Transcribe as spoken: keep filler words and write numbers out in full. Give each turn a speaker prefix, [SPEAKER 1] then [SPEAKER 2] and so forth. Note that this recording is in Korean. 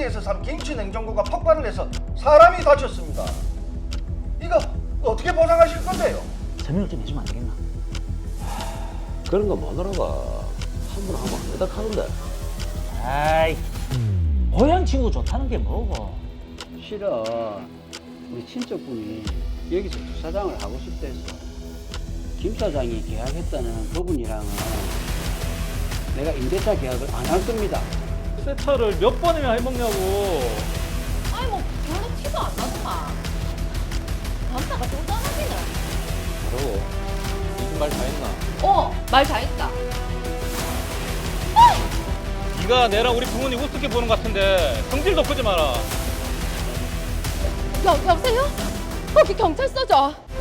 [SPEAKER 1] 밭지에서 산 김치 냉장고가 폭발을 해서 사람이 다쳤습니다. 이거 어떻게 보상하실 건데요?
[SPEAKER 2] 설명을 좀 해주면 안 되겠나?
[SPEAKER 3] 그런 거 뭐더라가 한 번 하면 안 된다 하던데.
[SPEAKER 2] 아이, 고향 친구 좋다는 게 뭐고?
[SPEAKER 4] 실은 우리 친척분이 여기서 주차장을 하고 싶다 해서 김 사장이 계약했다는 그분이랑은 내가 임대차 계약을 안 할 겁니다.
[SPEAKER 5] 세차를 몇 번이나 해먹냐고.
[SPEAKER 6] 아니 뭐 별로 티도 안 나더만. 남자가 좀 떠나기는.
[SPEAKER 3] 그러고 무슨 말 다 했나?
[SPEAKER 6] 어, 말 잘했다.
[SPEAKER 5] 네가 내랑 우리 부모님 우습게 보는 것 같은데 성질도 크지 마라.
[SPEAKER 6] 여, 여보세요? 거기 경찰서죠?